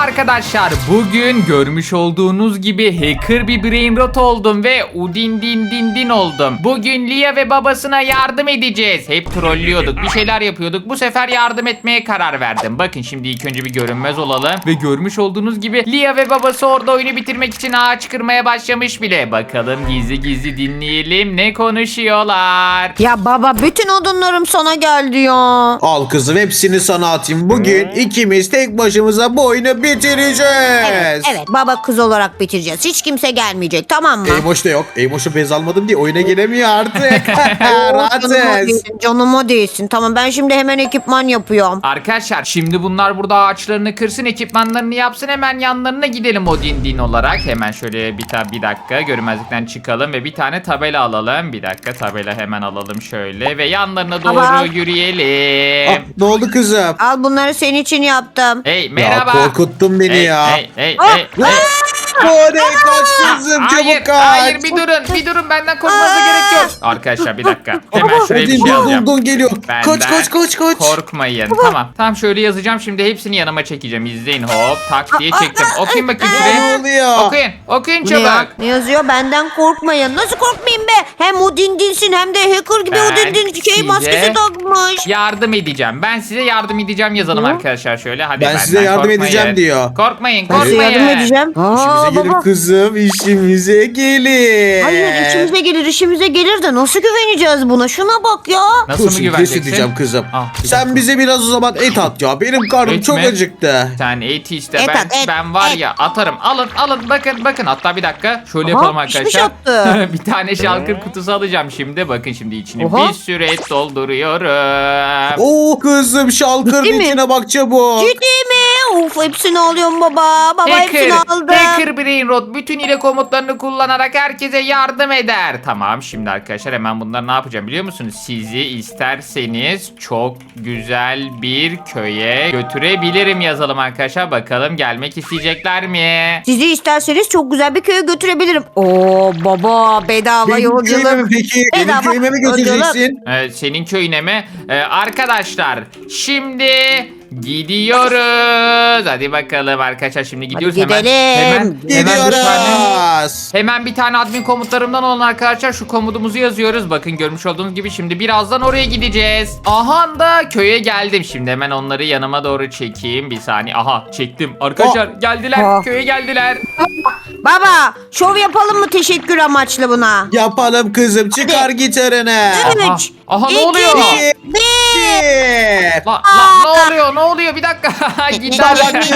arkadaşlar, bugün görmüş olduğunuz gibi hacker bir brain rot oldum ve udin din din din oldum. Bugün Lia ve babasına yardım edeceğiz. Hep trollüyorduk, bir şeyler yapıyorduk. Bu sefer yardım etmeye karar verdim. Bakın şimdi ilk önce bir görünmez olalım. Ve görmüş olduğunuz gibi Lia ve babası orada oyunu bitirmek için ağaç kırmaya başlamış bile. Bakalım gizli gizli dinleyelim ne konuşuyorlar. Ya baba, bütün odunlarım sana geldi ya. Al kızım, hepsini sana atayım. Bugün ikimiz tek başımıza bu oyunu bitireceğiz. Evet, baba kız olarak bitireceğiz. Hiç kimse gelmeyecek, tamam mı? Eymoş da yok. Eymoş'u bez almadım diye oyuna gelemiyor artık. Canıma Rahatsız. değilsin, canıma değilsin. Tamam, ben şimdi hemen ekipman yapıyorum. Arkadaşlar şimdi bunlar burada ağaçlarını kırsın, ekipmanlarını yapsın, hemen yanlarına gidelim o din din olarak. Hemen şöyle bir dakika görünmezlikten çıkalım ve bir tane tabela alalım. Bir dakika, tabela hemen alalım şöyle ve yanlarına doğru Baba. yürüyelim. Ne oldu kızım? Al, bunları senin için yaptım. Hey merhaba. Ya korkuttun beni Hey, ya. hey, hey, Ah, hey, hey. Oraya kaç kızım, Hayır, çabuk kaç. hayır, bir durun benden korkmanıza gerek yok. Arkadaşlar bir dakika. Hemen şuraya bir Odin, şey don, alacağım. don geliyor. Benden Kaç. korkmayın. Tamam şöyle yazacağım, şimdi hepsini yanıma çekeceğim. İzleyin, hop tak diye çektim. Okuyun bakayım Ne şuraya. oluyor? Okuyun Bu ne ya? çabuk. Ne yazıyor? Benden korkmayın. Nasıl korkmayayım be? Hem o dindinsin hem de hacker gibi o Ben dindin size maskesi takmış. Yardım edeceğim. Ben size yardım edeceğim yazalım arkadaşlar şöyle. Hadi Ben benden size yardım korkmayın. edeceğim diyor. Korkmayın. Ben size yardım Korkmayın. edeceğim. İşimize gelir kızım, işimize gelir. Hayır, işimize gelir de nasıl güveneceğiz buna? Şuna bak ya. Nasıl mı Kesin güveneceksin? diyeceğim kızım. Ah, bir Sen dakika. bize biraz o zaman et at ya. Benim karnım Et çok mi? acıktı. Sen et iste. Et ben at, et, ben var et. ya atarım. Alın bakın. Hatta bir dakika. Şöyle Aha, yapalım pişmiş arkadaşlar. attı. Bir tane şalkır kutusu alacağım şimdi. Bakın şimdi içine Oha. bir sürü et dolduruyorum. Oo kızım, şalkırın Ciddi mi? içine bak çabuk. Ciddi mi? Of, hepsini alıyorum baba. Baba hepsini aldım. Hacker Brain Rot bütün ile komutlarını kullanarak herkese yardım eder. Tamam şimdi arkadaşlar hemen bunları ne yapacağım biliyor musunuz? Sizi isterseniz çok güzel bir köye götürebilirim yazalım arkadaşlar. Bakalım gelmek isteyecekler mi? Sizi isterseniz çok güzel bir köye götürebilirim. Oo baba, bedava Benim köyüme mi yolculuk. peki? Benim Bedava köyüme mi yolculuk. götüreceksin? Senin köyüne mi? Arkadaşlar şimdi gidiyoruz. Hadi bakalım arkadaşlar şimdi gidiyoruz. gidelim. Hemen bir tane admin komutlarımdan olan arkadaşlar şu komutumuzu yazıyoruz. Bakın görmüş olduğunuz gibi şimdi birazdan oraya gideceğiz. Aha da köye geldim. Şimdi hemen onları yanıma doğru çekeyim. Bir saniye. Aha çektim. Arkadaşlar geldiler. Köye geldiler. Baba, şov yapalım mı teşekkür amaçlı buna? Yapalım kızım, çıkar gitarını. Aha. 3, Aha, ne 2, oluyor? 1. Ne oluyor? Ne oluyor? Bir dakika. Gitar.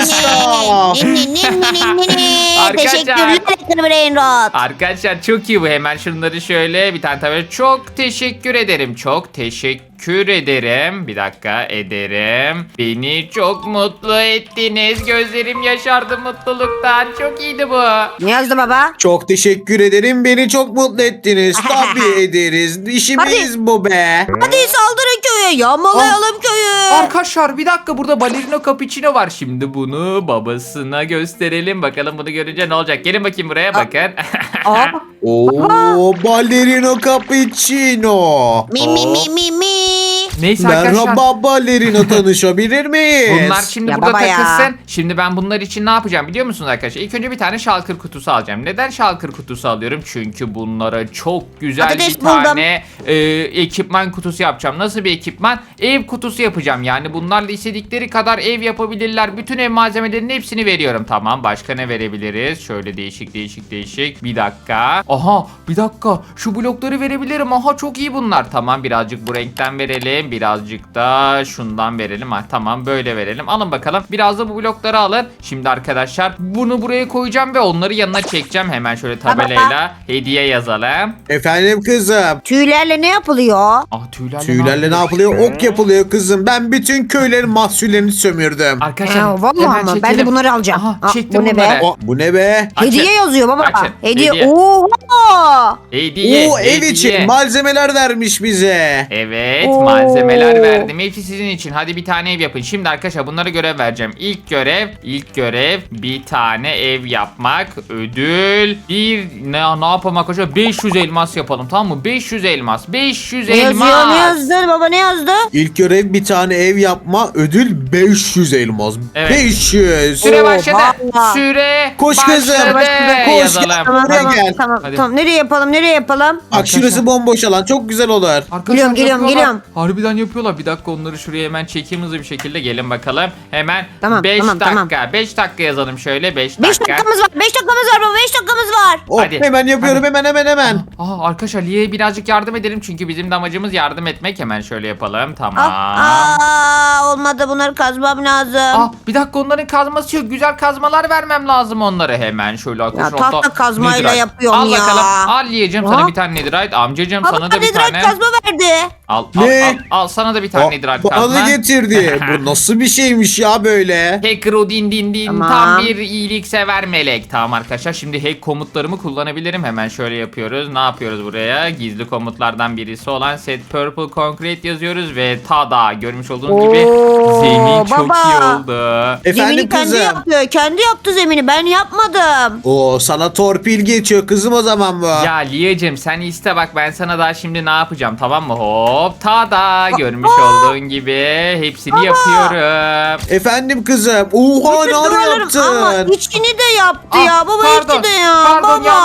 Teşekkürler Hacker Brain Rot. Arkadaşlar çok iyi bu. Hemen şunları şöyle bir tane tabii. Çok teşekkür ederim. Çok teşekkür ederim. Bir dakika ederim. Beni çok mutlu ettiniz. Gözlerim yaşardı mutluluktan. Çok iyiydi bu. Ne yazdı baba? Çok teşekkür ederim. Beni çok mutlu ettiniz. Tabii ederiz. İşimiz bu be. Hadi saldırın köye, yağmalayalım köyü. Arkadaşlar bir dakika, burada balerino cappuccino var. Şimdi bunu babasına gösterelim. Bakalım bunu görünce ne olacak. Gelin bakayım buraya bakın. Aa, Oo, ballerino cappuccino. mi. Neyse arkadaşlar. Merhaba ballerino, tanışabilir miyiz? Bunlar şimdi Ya burada baba ya. takılsın. Şimdi ben bunlar için ne yapacağım biliyor musunuz arkadaşlar? İlk önce bir tane şalkır kutusu alacağım. Neden şalkır kutusu alıyorum? Çünkü bunlara çok güzel Patates bir buldum. tane ekipman kutusu yapacağım. Nasıl bir ekipman? Ev kutusu yapacağım. Yani bunlarla istedikleri kadar ev yapabilirler. Bütün ev malzemelerinin hepsini veriyorum. Tamam, başka ne verebiliriz? Şöyle değişik. Bir dakika. Aha bir dakika. Şu blokları verebilirim. Aha çok iyi bunlar. Tamam, birazcık bu renkten verelim. Birazcık da şundan verelim. Ha, tamam böyle verelim. Alın bakalım. Biraz da bu blokları alın. Şimdi arkadaşlar bunu buraya koyacağım ve onları yanına çekeceğim. Hemen şöyle tabelayla hediye yazalım. Efendim kızım. Tüylerle ne yapılıyor? Ah Tüylerle ne yapılıyor? Ok yapılıyor kızım. Ben bütün köylerin mahsullerini sömürdüm. Arkadaşlar Vallahi hemen ama ben çekelim. de bunları alacağım. Aha, Aa, çektim bu ne be? bunları. Bu ne be? Açın. Hediye yazıyor baba. Açın. Hediye. Hediye. Oha! Hediye. Oo, ev hediye. için malzemeler vermiş bize. Evet, Oo. malzeme malzemeler verdim. Hepsi sizin için. Hadi bir tane ev yapın. Şimdi arkadaşlar bunlara görev vereceğim. İlk görev bir tane ev yapmak. Ödül ne yapalım arkadaşlar? 500 elmas yapalım, tamam mı? 500 elmas. 500 Ne elmas. yazıyor, ne yazdı baba, ne yazdı? İlk görev bir tane ev yapma, ödül 500 elmas. Evet. 500. Süre başladı. Oha. Süre Koş kızım, başladı. koş. Yazalım. Tamam Buraya tamam gel. tamam, Hadi. tamam. Nereye yapalım, nereye yapalım? Bak şurası bomboş alan, çok güzel olur. Arkadaşlar Geliyorum, yapıyorlar. geliyorum. Harbiden yapıyorlar. Bir dakika onları şuraya hemen çekeyim hızlı bir şekilde. Gelin bakalım. Hemen Tamam, 5 tamam, dakika. tamam. 5 dakika yazalım şöyle. 5 5 dakika. dakikamız var, 5 dakikamız var baba, 5 dakikamız var. Oh, Hadi. hemen yapıyorum, hemen. Arkadaşlar Liye'ye birazcık yardım edelim. Çünkü bizim de amacımız yardım etmek. Hemen şöyle yapalım. Tamam. Olmadı, bunları kazmam lazım. Bir dakika onların kazması yok. Güzel kazmalar vermem lazım onlara. Hemen şöyle arkadaşlar. tahta hatta kazmayla Netherite. yapıyorum al ya. bakalım. Al Liye'cim sana Ha? bir tane Netherite. Amcacım Baba sana da bir Netherite tane. kazma verdi. Al Ne? al sana da bir tane Netherite Bana kazma. da getirdi. Bu nasıl bir şeymiş ya böyle? Hacker o din Tamam. tam bir iyiliksever melek. Tamam arkadaşlar şimdi hack komutlarımı kullanabilirim. Hemen şöyle yapıyoruz. Ne yapıyoruz buraya? Gizli komutlardan birisi olan set purple concrete yazıyoruz ve tada görmüş olduğunuz gibi Oo, zemin çok baba. iyi oldu. Efendim Zemini kendi kızım. yaptı. Kendi yaptı zemini. Ben yapmadım. Oo, sana torpil geçiyor kızım o zaman bu. Ya Liyacım sen iste bak ben sana daha şimdi ne yapacağım tamam mı? Hop tada görmüş olduğun gibi hepsini yapıyorum. Efendim kızım. Oha, Bütün ne duvarlarım- yaptın? Ama içini de yaptı ya. Baba pardon, içi de ya. Pardon baba.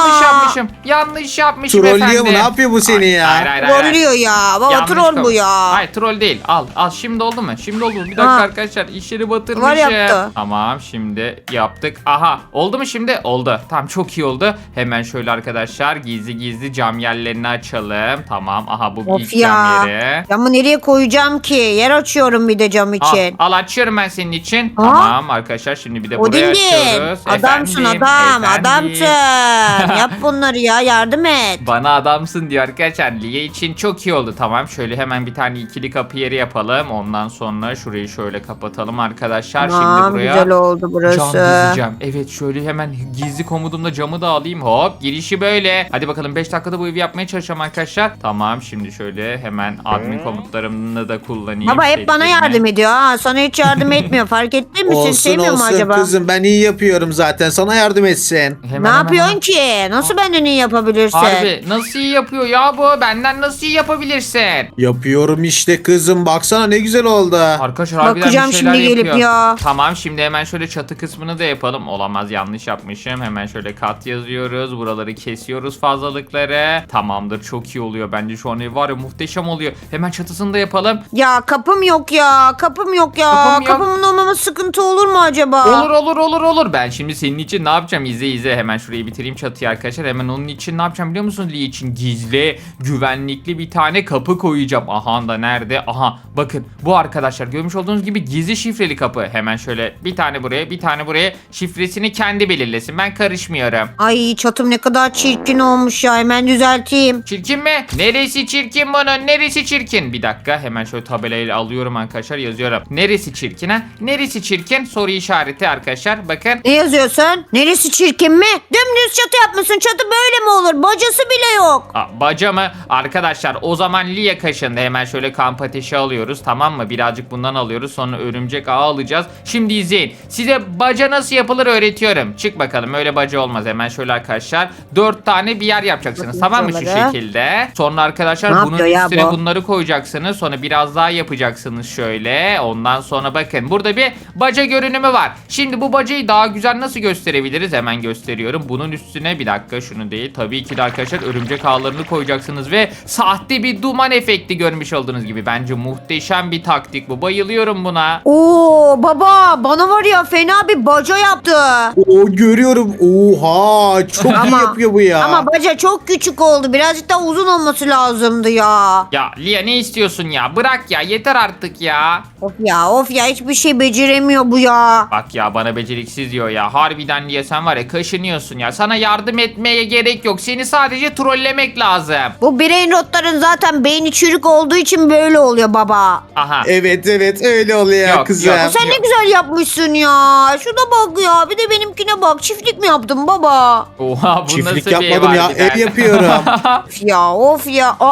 yanlış yapmışım Trollüyor efendim. mu? Ne yapıyor bu seni ya? Hayır. Trollüyor ya. Baba Yanlış troll bu konuş. ya. Hayır troll değil. Al şimdi oldu mu? Şimdi oldu mu? Bir dakika Ha. arkadaşlar işleri batırmışım. Var yaptı. Tamam şimdi yaptık. Aha oldu mu şimdi? Oldu. Tamam çok iyi oldu. Hemen şöyle arkadaşlar gizli cam yerlerini açalım. Tamam aha bu Of ilk ya. cam yeri. Camı nereye koyacağım ki? Yer açıyorum bir de cam için. Al açıyorum ben senin için. Ha? Tamam arkadaşlar şimdi bir de buraya Odingin. açıyoruz. Adamsın Efendim, adam. efendim. Adamsın. Yap bunları ya. Yardım et. Bana adamsın diyor arkadaşlar. Liye için çok iyi oldu. Tamam şöyle hemen bir tane ikili kapı yeri yapalım. Ondan sonra şurayı şöyle kapatalım arkadaşlar. Tamam, Şimdi buraya güzel oldu burası. cam dizeceğim. Evet şöyle hemen gizli komutumda camı da alayım. Hop girişi böyle. Hadi bakalım 5 dakikada bu evi yapmaya çalışacağım arkadaşlar. Tamam şimdi şöyle hemen admin komutlarımını da kullanayım. Baba hep bana Setlerimi. yardım ediyor ha. Sana hiç yardım etmiyor. Fark ettin mi? Seni Olsun sevmiyor mu olsun acaba? kızım, ben iyi yapıyorum zaten, sana yardım etsin. Hemen, Ne yapıyorsun ki? Nasıl benden iyi yapabilirsin? Harbi nasıl iyi yapıyor ya bu? Benden nasıl iyi yapabilirsin? Yapıyorum işte kızım, baksana ne güzel oldu. Arkadaşlar harbiden Bakacağım bir şeyler şimdi gelip yapıyor. ya. Tamam şimdi hemen şöyle çatı kısmını da yapalım. Olamaz yanlış yapmışım. Hemen şöyle kat yazıyoruz. Buraları kesiyoruz fazlalıkları. Tamamdır çok iyi oluyor. Bence şu an ev var ya muhteşem oluyor. Hemen çatısını da yapalım. Ya kapım yok ya. Kapım yok ya. Kapım yok. Kapımın olmaması sıkıntı olur mu acaba? Olur. Ben şimdi senin için ne yapacağım? İzle. Hemen şurayı bitireyim çatıyı arkadaşlar. Hemen onun için ne yapacağım biliyor musunuz? Lee için gizli, güvenlikli bir tane kapı koyacağım. Aha da nerede? Aha bakın bu arkadaşlar görmüş olduğunuz gibi gizli şifreli kapı. Hemen şöyle bir tane buraya bir tane buraya şifresini kendi belirlesin. Ben karışmıyorum. Ay çatım ne kadar çirkin olmuş ya. Hemen düzelteyim. Çirkin mi? Neresi çirkin bunun? Neresi çirkin? Bir dakika hemen şöyle tabelayla alıyorum arkadaşlar yazıyorum. Neresi çirkin ha? Neresi çirkin? Soru işareti arkadaşlar. Bakın. Ne yazıyorsun? Neresi çirkin mi? Dümdüz çatı yapmışsın. Çatı böyle mi olur? Bacası bile yok. Baca mı? Arkadaşlar o zaman Lia kaşındı. Hemen şöyle kamp ateşi alıyoruz tamam mı? Birazcık bundan alıyoruz. Sonra örümcek ağı alacağız. Şimdi izleyin. Size baca nasıl yapılır öğretiyorum. Çık bakalım öyle baca olmaz. Hemen şöyle arkadaşlar 4 tane bir yer yapacaksınız. Bakayım Tamam mı şu şuralara. şekilde? Sonra arkadaşlar Ne bunun yapıyor ya üstüne bu? bunları koyacaksınız. Sonra biraz daha yapacaksınız şöyle. Ondan sonra bakın burada bir baca görünümü var. Şimdi bu bacayı daha güzel nasıl gösterebiliriz? Hemen gösteriyorum. Bunun üstüne bir dakika şunu değil. Tabii ki de arkadaşlar örümcek ağlarını koyacaksınız ve sahte bir duman efekti görmüş olduğunuz gibi. Bence muhteşem bir taktik bu. Bayılıyorum buna. Oo baba bana var ya fena bir baca yaptı. Oo, görüyorum. Oha, çok iyi yapıyor bu ya. Ama baca çok küçük oldu. Birazcık daha uzun olması lazımdı ya. Ya Lia ne istiyorsun ya? Bırak ya yeter artık ya. Of ya hiçbir şey beceremiyor bu ya. Bak ya bana beceriksiz diyor ya. Harbiden Lia sen var ya kaşınıyorsun ya. Sana yardım etmeye gerek yok. Seni sadece trollemek lazım. Bu brain rotların zaten beyni çürük olduğu için böyle oluyor baba. Aha. Evet öyle oluyor Yok, kızım. yok. Sen ne güzel yapmışsın ya. Şuna bak ya. Bir de benimkine bak. Çiftlik mi yaptın baba? Oha bu Çiftlik nasıl bir ev yapmadım ya, harbiden? ev yapıyorum. Of ya. Bir dakika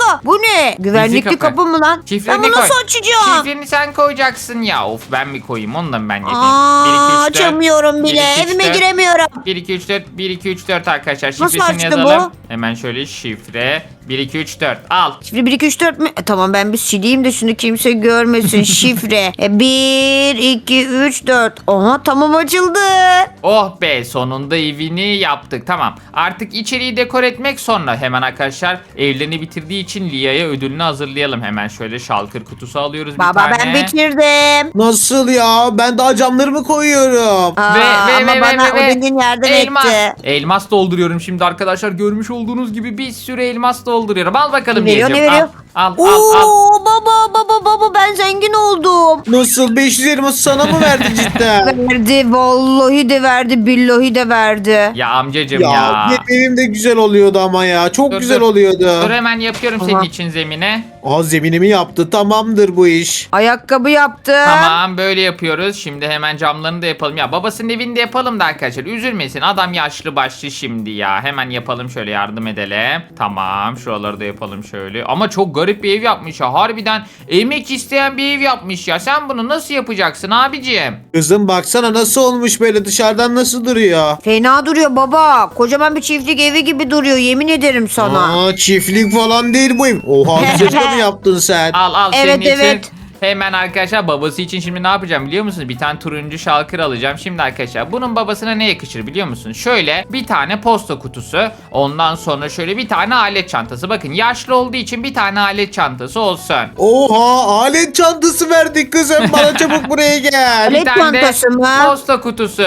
dakika. Bu ne? Güvenlikli kapı. kapı mı lan? Şifreni Ben bunu koy. nasıl açacağım? Şifreni sen koyacaksın ya. Of ben mi koyayım? Onu da mı ben yapayım? Aa, 1, 2, 3, 4. açamıyorum bile. 1, 2, 3, Evime 4. giremiyorum. 1, 2, 3, 4. 1, 2, 3, 4 arkadaşlar. Nasıl Şifresini açtı yazalım. bu? Hemen şöyle şifre. 1, 2, 3, 4. Al. Şifre 1, 2, 3, 4 mü? Tamam ben bir sileyim de şunu kimse görmesin. Şifre 1, 2, 3, 4. Aha tamam açıldı. Oh be sonunda evini yaptık. Tamam. Artık içeriği dekor etmek sonra. Hemen arkadaşlar evlerini bitirdiği için Lia'ya ödülünü hazırlayalım. Hemen şöyle şalkır kutusu alıyoruz bir Baba tane. ben bitirdim. Nasıl ya? Ben daha camlarımı koyuyorum. Aa, ama bana Odin'in yardım elmas. etti. Elmas dolduruyorum şimdi arkadaşlar. Görmüş olduğunuz gibi bir sürü elmas dolduruyorum. Al bakalım Ne veriyor, Liyacığım. ne veriyor? Al Oo, baba ben zengin oldum. Nasıl? 500 elması sana mı verdi cidden? Verdi vallahi de verdi billahi de verdi. Ya amcacım Ya ya. benim evim de güzel oluyordu ama ya. Çok Dur, güzel dur. oluyordu. Dur hemen yapıyorum senin Tamam. için zemine. Aa zeminimi yaptı. Tamamdır bu iş. Ayakkabı yaptım. Tamam böyle yapıyoruz. Şimdi hemen camlarını da yapalım. Ya babasının evini de yapalım da arkadaşlar. Üzülmesin. Adam yaşlı başlı şimdi ya. Hemen yapalım şöyle yardım edelim. Tamam şuraları da yapalım şöyle. Ama çok garip bir ev yapmış ya. Harbiden emek isteyen bir ev yapmış ya. Sen bunu nasıl yapacaksın abicim? Kızım baksana nasıl olmuş böyle dışarıdan nasıl duruyor? Fena duruyor baba. Kocaman bir çiftlik evi gibi duruyor yemin ederim sana. Aa çiftlik falan değil bu ev. Oha güzel mi yaptın sen? Al Evet, senin için. evet. Hemen arkadaşlar babası için şimdi ne yapacağım biliyor musunuz? Bir tane turuncu şalkır alacağım. Şimdi arkadaşlar bunun babasına ne yakışır biliyor musunuz? Şöyle bir tane posta kutusu. Ondan sonra şöyle bir tane alet çantası. Bakın yaşlı olduğu için bir tane alet çantası olsun. Oha alet çantası verdik kızım. Bana çabuk buraya gel. Alet Bir tane de çantası mı? posta kutusu.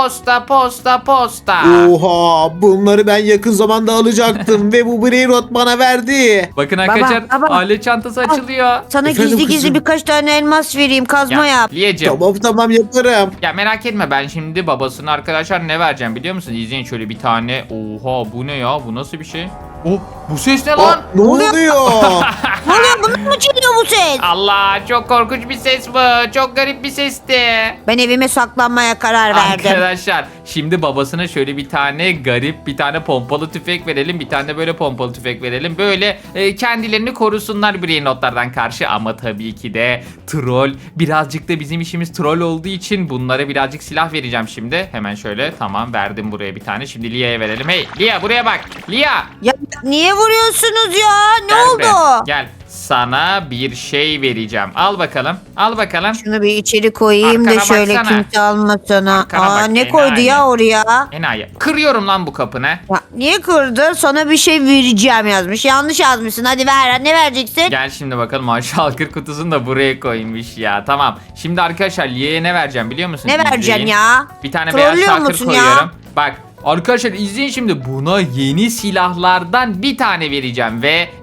Posta. Oha bunları ben yakın zamanda alacaktım ve bu Brainrot bana verdi. Bakın arkadaşlar baba. alet çantası açılıyor. Sana Efendim gizli kızım? birkaç tane elmas vereyim kazma yap. Liyeciğim. Tamam yaparım. Ya merak etme ben şimdi babasına arkadaşlar ne vereceğim biliyor musun? İzleyin şöyle bir tane. Oha bu ne ya? Bu nasıl bir şey? Oh bu ses ne lan? Aa, ne oluyor? Ne oluyor bunun mu çeliyor bu ses? Allah çok korkunç bir ses bu. Çok garip bir sesti. Ben evime saklanmaya karar verdim. Arkadaşlar şimdi babasına şöyle bir tane garip bir tane pompalı tüfek verelim. Bir tane de böyle pompalı tüfek verelim. Böyle kendilerini korusunlar brainrotlardan karşı. Ama tabii ki de troll. Birazcık da bizim işimiz troll olduğu için bunlara birazcık silah vereceğim şimdi. Hemen şöyle tamam verdim buraya bir tane. Şimdi Lia'ya verelim. Hey Lia buraya bak. Lia. Ya niye vuruyorsunuz ya? Ne Gel oldu? buraya. Gel. Sana bir şey vereceğim. Al bakalım. Al bakalım. Şunu bir içeri koyayım Arkana da şöyle baksana. kimse almasın ha. Arkana bak, Ne enayi. koydu ya oraya? Enayi. Kırıyorum lan bu kapını. Ya, niye kırdı? Sana bir şey vereceğim yazmış. Yanlış yazmışsın. Hadi ver. Ne vereceksin? Gel şimdi bakalım şalkır kutusunu da buraya koymuş ya. Tamam. Şimdi arkadaşlar Liye'ye ne vereceğim biliyor musun? Ne vereceksin İzleyin. ya? Bir tane beyaz Trollüyor şalkır musun ya? koyuyorum. Bak arkadaşlar izleyin şimdi buna yeni silahlardan bir tane vereceğim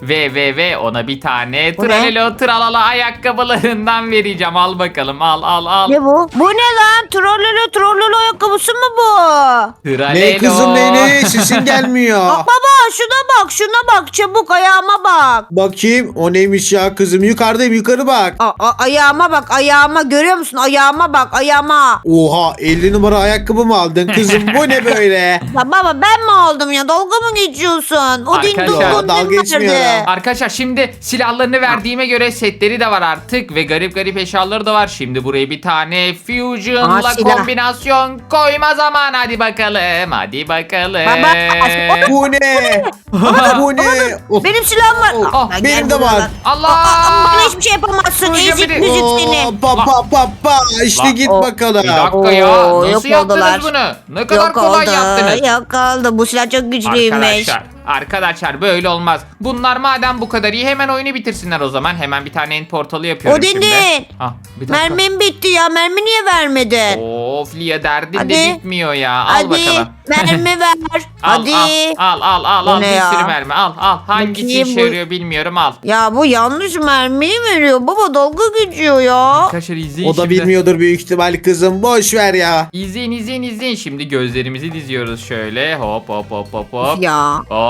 ve ona bir tane Bu ne? tralelo tralala ayakkabılarından vereceğim. Al bakalım al. Ne bu? Bu ne lan? Trollolo ayakkabısı mı bu? Tralelo. Ne kızım ne sesin gelmiyor. Baba şuna bak çabuk ayağıma bak. Bakayım o neymiş ya kızım yukarıdayım yukarı bak. Ayağıma bak ayağıma görüyor musun? Ayağıma bak ayağıma. Oha 50 numara ayakkabı mı aldın kızım bu ne böyle? Ya baba ben mi aldım ya? Dalga mı geçiyorsun? O din Arkadaşlar, dolgun dalga din geçmiyorum. verdi. Arkadaşlar şimdi silahlarını verdiğime göre setleri de var artık ve garip eşyaları da var. Şimdi buraya bir tane Fusion'la Aa, silah. kombinasyon koyma zamanı. Hadi bakalım. Baba, Bu ne? Bu ne? Of. benim silahım var. Oh, Aa, gel benim de buraya var. lan. Allah! Bana hiçbir şey yapamazsın. Duyacağım Ezik beni. müzik Oo, seni. pa işte Lan, git o- bakalım. Bir dakika ya. Oo, Nasıl yok yaptınız oldular. bunu? Ne kadar kolay yaptınız. Yok oldu. Bu silah çok güçlüymüş. Arkadaşlar böyle olmaz. Bunlar madem bu kadar iyi hemen oyunu bitirsinler o zaman. Hemen bir tane end portalı yapıyorum O şimdi. değil. Ah, bir dakika. Mermim bitti ya. Mermi niye vermedin? Of Lia derdin de Hadi. bitmiyor ya. Al Hadi bakalım. mermi ver. Al, Hadi. al Bu ne bir ya? sürü mermi al hangisi Bakayım işe bu- yarıyor bilmiyorum al. Ya bu yanlış mermiyi veriyor. Baba dalga geçiyor ya. Arkadaşlar izleyin O da şimdi. bilmiyordur büyük ihtimal kızım boş ver ya. İzleyin şimdi gözlerimizi diziyoruz şöyle hop. Ya. Hop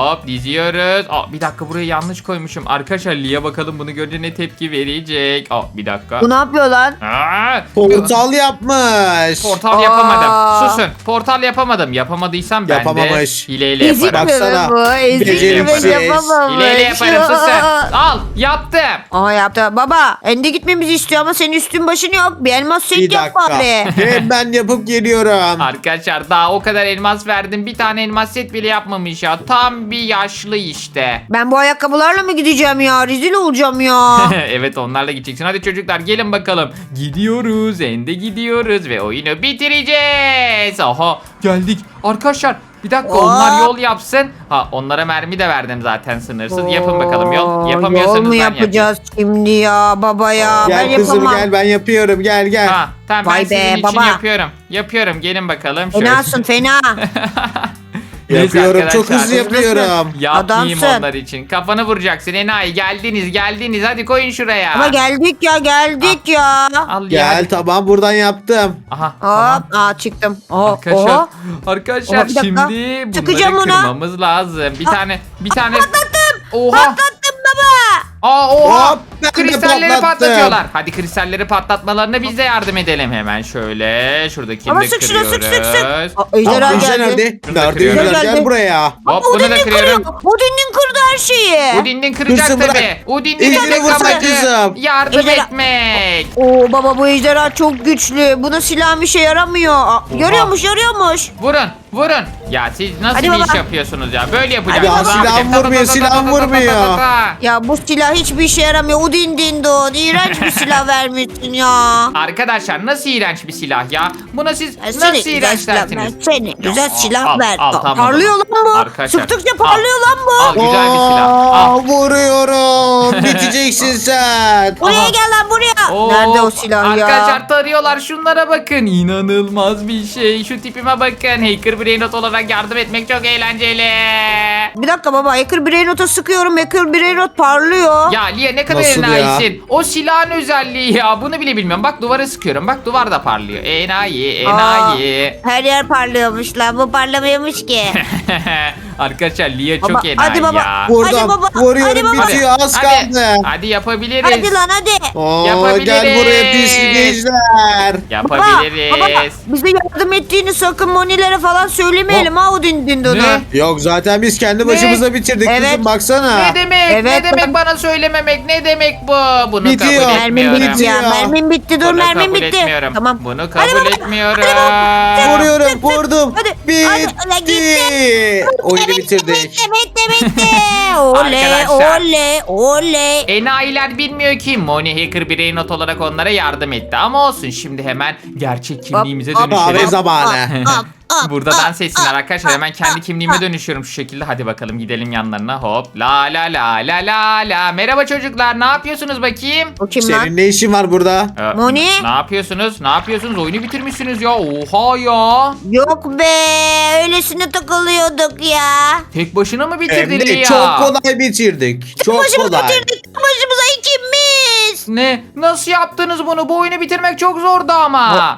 Hop diziyoruz. Bir dakika burayı yanlış koymuşum. Arkadaşlar Lia bakalım bunu görünce ne tepki verecek. Bir dakika. Bu ne yapıyor lan? Portal yapmış. Portal yapamadım. Susun. Portal yapamadım. Yapamadıysam ben Yapamamış. de hileyle Ezik yaparım. mi Baksana. bu? Ezik mi Beceriksiz. yapamamış? Hileyle yaparım susun. Al yaptım. Aha yaptı. Baba ende gitmemizi istiyor ama senin üstün başın yok. Bir elmas Bir set yap dakika. bari. Ben yapıp geliyorum. Arkadaşlar daha o kadar elmas verdim. Bir tane elmas set bile yapmamış ya. Tam bir yaşlı işte. Ben bu ayakkabılarla mı gideceğim ya? Rezil olacağım ya. Evet onlarla gideceksin. Hadi çocuklar gelin bakalım. Gidiyoruz. Ende gidiyoruz ve oyunu bitireceğiz. Aha geldik. Arkadaşlar bir dakika onlar yol yapsın. Onlara mermi de verdim zaten sınırsız. Yapın bakalım yol. Yapamıyorsanız Yol mu ben yapacağız şimdi ya baba ya? Ben Gel kızım yapamam. gel ben yapıyorum gel. Tamam Vay ben sizin be, için baba. yapıyorum. Yapıyorum gelin bakalım. Şöyle. Fenasın fena. Neyse Yapıyorum çok arkadaşlar. hızlı yapıyorum. Yapmayayım Adamsın. onlar için. Kafanı vuracaksın enayi. Geldiniz. Hadi koyun şuraya. Ama geldik ya. Al ya. Gel tamam buradan yaptım. Aha. Tamam. Hop çıktım. Arkadaşlar, Oho. arkadaşlar Oha, bir dakika. şimdi bunları Sıkacağım ona. kırmamız lazım. Bir tane. Patlattım. Oha. Patlattım baba. Oha. Hop, ben de Kristalleri patlattım. patlatıyorlar. Hadi kristalleri patlatmalarına biz de yardım edelim hemen şöyle. Şuradakini Ama de sık şuna kırıyoruz. sık. Ejderha Ejder geldi. nerede? Şunu da Nerede kırıyorum. Ejder? Gel Geldi. buraya. Hop bunu da kırıyorum. Udin'in kırdı her şeyi. Udin'in kıracak Kırsın, bırak. tabii. Udin'in Ejder'i tek vursak amacı kızım. yardım Ejderha- etmek. Oo baba bu ejderha çok güçlü. Buna silah bir şey yaramıyor. Yarıyormuş. Vurun. Ya siz nasıl Hadi bir baba. iş yapıyorsunuz ya? Böyle yapacaksınız. Ya Ne silahım yapacağım? vurmuyor, silahım vurmuyor. Ya bu silah hiçbir işe yaramıyor. Udin dindon. İğrenç bir silah vermişsin ya. Arkadaşlar nasıl iğrenç bir silah ya? Buna siz Ben seni nasıl güzel iğrenç silah ver. dersiniz? Seni güzel silah al, ver. al, tamam. Parlıyor lan bu. Arkadaşlar, Sıktıkça al. parlıyor lan bu. Al güzel bir silah. Al. Vuruyorum. Biteceksin sen. Buraya Aha. gel lan buraya. Oo, Nerede o silah ya? Arkadaşlar tarıyorlar şunlara bakın. İnanılmaz bir şey. Şu tipime bakın. Hacker Brainrot olarak yardım etmek çok eğlenceli. Bir dakika baba. Hacker Brainrot'a sıkıyorum. Hacker Brainrot parlıyor. Ya Lia ne kadar Nasıl ya? enayisin. O silahın özelliği ya. Bunu bile bilmiyorum. Bak duvara sıkıyorum. Bak duvar da parlıyor. Enayi. Her yer parlıyormuş lan. Bu parlamıyormuş ki. Arkadaşlar Lia Baba, çok enayi hadi baba. ya. Vurdum. Hadi baba, Vuruyorum hadi baba. bitiyor az Hadi, kaldı. hadi yapabiliriz. Hadi lan hadi. Gel buraya pislik ejder. Yapabiliriz. Bize yardım ettiğini sakın Monilere falan söylemeyelim ha o dindonu. Ne? Yok zaten biz kendi başımıza bitirdik Evet. kızım baksana. Ne demek? Evet, ne demek bak- bana söylememek? Ne demek bu? Bunu Bitiyor. kabul Mermin etmiyorum. bitti ya. Bitiyor. Mermin bitti. Dur Bunu mermin kabul bitti. etmiyorum. Tamam. Bunu Hadi kabul baba, etmiyorum. Vuruyorum vurdum. Hadi, Bitti. hadi, gitti. Oyunu bitirdik. Bitti. Oley Arkadaşlar. oley. Enayiler bilmiyor ki Moni Hacker Brainrot olarak onlara yardım etti. Ama olsun şimdi hemen gerçek kimliğimize hop, Kahve dönüşelim. zamanı. Burada dans etsinler arkadaşlar. Hemen kendi kimliğime dönüşüyorum şu şekilde. Hadi bakalım gidelim yanlarına. Hop la la la la la la. Merhaba çocuklar. Ne yapıyorsunuz bakayım? O kim lan? Senin ne işin var burada? Moni? Ne yapıyorsunuz? Ne yapıyorsunuz? Oyunu bitirmişsiniz ya. Oha ya. Yok be. Öylesine takılıyorduk ya. Tek başına mı Hem bitirdin de ya? çok kolay bitirdik. Çok Başımızı kolay. bitirdik. Başımıza ikimiz. Ne? Nasıl yaptınız bunu? Bu oyunu bitirmek çok zordu ama.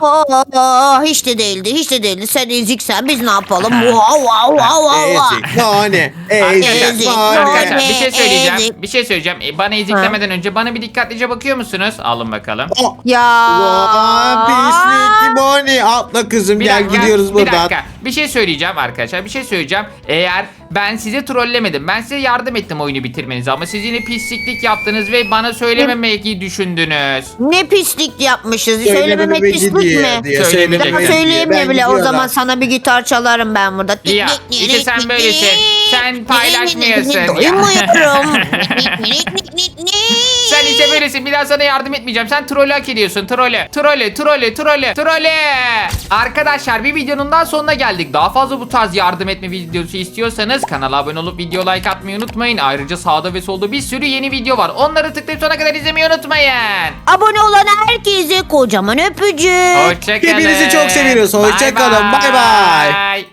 Hiç de değildi. Sen eziksen biz ne yapalım? Wow. Ezik. Nane. Ezik. Ezik. Arkadaşlar Nane, bir şey söyleyeceğim. ezik. Bir şey söyleyeceğim. Bana eziklemeden önce bana bir dikkatlice bakıyor musunuz? Alın bakalım. Ya. Pislik Moni. Atla kızım Bir gel dakika, gidiyoruz bir buradan. dakika. Bir şey söyleyeceğim arkadaşlar. Bir şey söyleyeceğim. Eğer ben size trollemedim. Ben size yardım ettim oyunu bitirmenize. Ama siz yine pisliklik yaptınız ve bana söylememeyi düşündünüz. Ne pislik yapmışız. Söylememe Söylememek pislik diye- mi? diye Söylemeyecek. söylememe Daha Ben söyleyeyim diye. mi bile? O gidiyorum. zaman sana bir gitar çalarım ben burada. Ya işte sen böylesin. Sen paylaşmıyorsun. Doymuyorum. Sen işte böylesin. Bir daha sana yardım etmeyeceğim. Sen trolü hak ediyorsun. Trolü. Arkadaşlar bir videonun daha sonuna geldik. Daha fazla bu tarz yardım etme videosu istiyorsanız kanala abone olup video like atmayı unutmayın. Ayrıca sağda ve solda bir sürü yeni video var. Onları tıklayıp sona kadar izlemeyi unutmayın. Abone olan herkese kocaman öpücük. Hoşçakalın. Hepinizi çok seviyoruz. Hoşça kalın. Bay bay.